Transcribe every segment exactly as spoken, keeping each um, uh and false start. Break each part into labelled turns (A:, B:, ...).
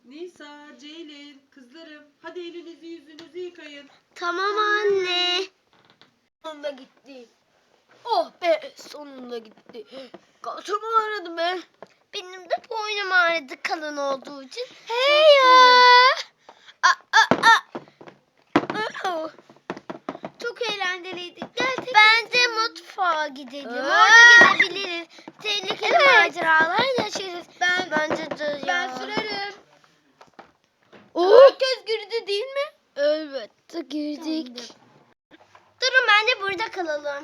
A: Nisa, Ceylin, kızlarım. Hadi elinizi yüzünüzü yıkayın.
B: Tamam anne. Sonunda gitti. Oh be, sonunda gitti. Kasım ağrıdı be. Benim de boynum ağrıdı kalın olduğu için. Hey ya. Aa, aa, aa. Oh. Çok eğlenceliydi. Gerçekten. Bence mutfağa gidelim. Orada gezebiliriz. Tehlikeli maceralar yaşarız. Ben, Bence de ya.
C: Ben sürerim.
B: Herkes girdi değil mi? Elbette girdik. Durun bence burada kalalım.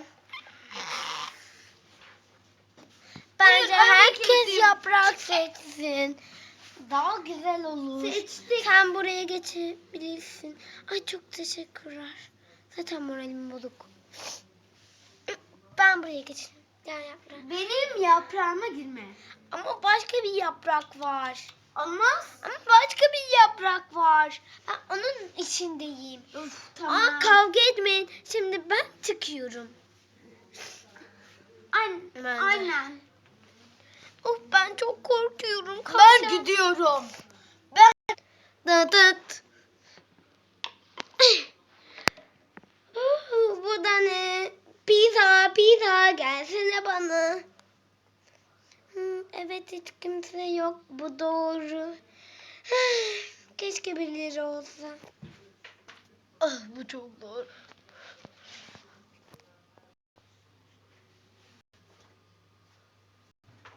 B: Bence
C: Hayır,
B: herkes
C: herkes-
B: yaprak seçsin. Daha güzel olur.
C: Seçtik.
B: Sen buraya geçebilirsin. Ay çok teşekkürler. Zaten moralim bozuk. Ben buraya geçeyim. Gel yaprak.
C: Benim yaprağıma girme.
B: Ama başka bir yaprak var.
C: Olmaz.
B: Ama başka bir yaprak var. Ben onun içindeyim.
C: Of
B: Aa, kavga etmeyin. Şimdi ben çıkıyorum.
C: Aynen.
B: Ben de.
C: Aynen.
B: Of ben çok korkuyorum.
C: Ben
B: Kalacağım.
C: gidiyorum.
B: Dıt dıt. Uh, Bu da ne? Pizza, pizza gelsene bana. Hı, evet hiç kimse yok. Bu doğru. Keşke birileri olsa. Ah, bu çok zor.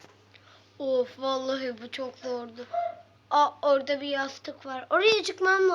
B: Of vallahi bu çok zordu. Aa, orada bir yastık var. Oraya çıkmam lazım.